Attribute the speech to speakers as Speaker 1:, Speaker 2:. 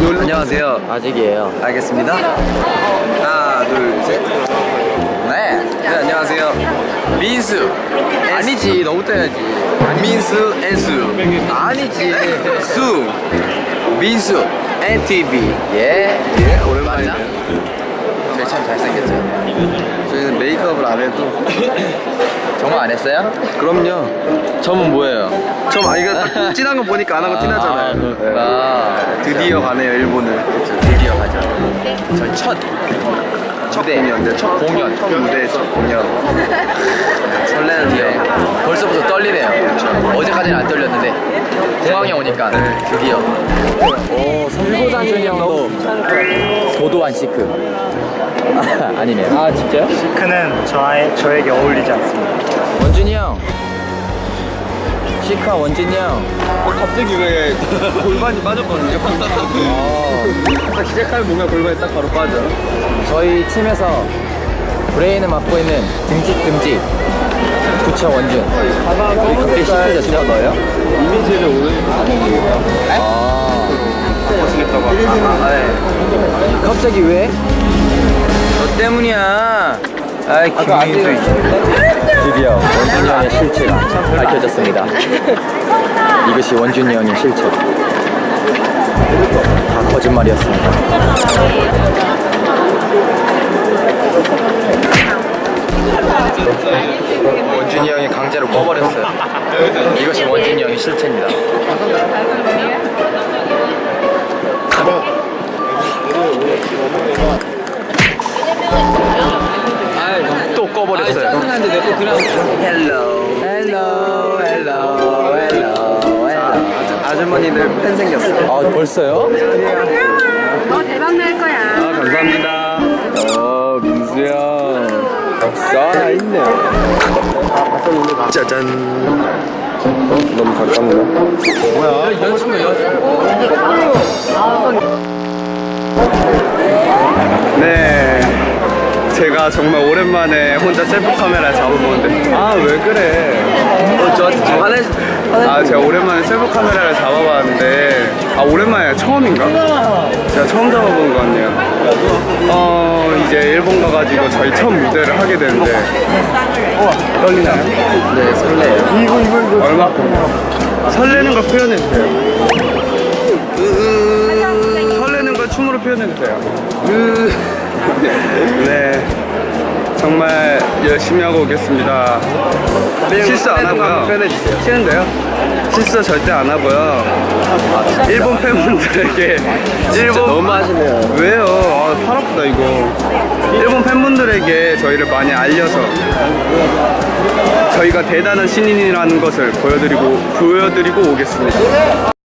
Speaker 1: 안녕하세요.
Speaker 2: 아직이에요.
Speaker 1: 알겠습니다. 하나, 둘, 셋. 네, 안녕하세요. 민수.
Speaker 2: 아니지, 너부터 해야지.
Speaker 1: 민수, 애수.
Speaker 2: 아니지.
Speaker 1: 수. 민수, NTV.
Speaker 2: 예.
Speaker 1: 오랜만이네.
Speaker 2: 저희 참 잘생겼죠?
Speaker 1: 저희는 메이크업을 안 해도.
Speaker 2: 정말 안 했어요?
Speaker 1: 그럼요.
Speaker 2: 점은 뭐예요?
Speaker 1: 이거 진한 거 보니까 안 하고 티나잖아요.
Speaker 2: 그렇구나.
Speaker 1: 네. 드디어 가네요, 일본을.
Speaker 2: 그렇죠, 드디어 가죠. 저희 첫
Speaker 1: 공연, 첫
Speaker 2: 공연.
Speaker 1: 첫 무대, 첫 공연.
Speaker 2: 설레는데요. 벌써부터 떨리네요. 어제까지는 안 떨렸는데 공항에 오니까 드디어. 오, 선고장준이 형도 도도한 시크. 아니네요. 아, 진짜요?
Speaker 3: 시크는 저에게 어울리지 않습니다.
Speaker 2: 원준이 형. 시크한 원준이 형.
Speaker 1: 갑자기 왜 골반이 빠졌거든요? 딱 시작하면 뭔가 골반이 딱 바로 빠져.
Speaker 2: 저희 팀에서 브레인을 맡고 있는 듬직 부처 원준. 우리 그때 시크졌죠, 너요?
Speaker 1: 이미지를 오늘 바꾸시겠다고 하고.
Speaker 2: 갑자기 왜? 너 때문이야. 아이, 김민수. 드디어 원준이 형의 실체가 밝혀졌습니다. 이것이 원준이 형의 실체. 다 거짓말이었습니다. 원준이 형이 강제로 꺼버렸어요. 이것이 원준이 형의 실체입니다. 또 꺼버렸어요.
Speaker 1: 아주머니들 팬 생겼어요.
Speaker 2: 아, 벌써요?
Speaker 4: 너 대박 날 거야.
Speaker 1: 감사합니다. 민수야. 살아있네. 짜잔. 너무 가깝네. 뭐야? 네. 제가 정말 오랜만에 혼자 셀프 카메라 잡아보는데 왜 그래? 저한테 좀 제가 오랜만에 셀프 카메라를 잡아봤는데 오랜만에 처음인가? 제가 처음 잡아본 것 같네요. 이제 일본 가가지고 저희 첫 무대를 하게 되는데 떨리나요?
Speaker 2: 네, 설레요.
Speaker 1: 이거 얼마큼? 설레는 걸 표현해주세요. 설레는 걸 춤으로 표현해주세요. 네, 정말 열심히 하고 오겠습니다. 실수 안 하고요. 싫은데요? 실수 절대 안 하고요. 일본 팬분들에게
Speaker 2: 너무 하시네요.
Speaker 1: 왜요? 팔 아프다 이거. 일본 팬분들에게 저희를 많이 알려서 저희가 대단한 신인이라는 것을 보여드리고 오겠습니다.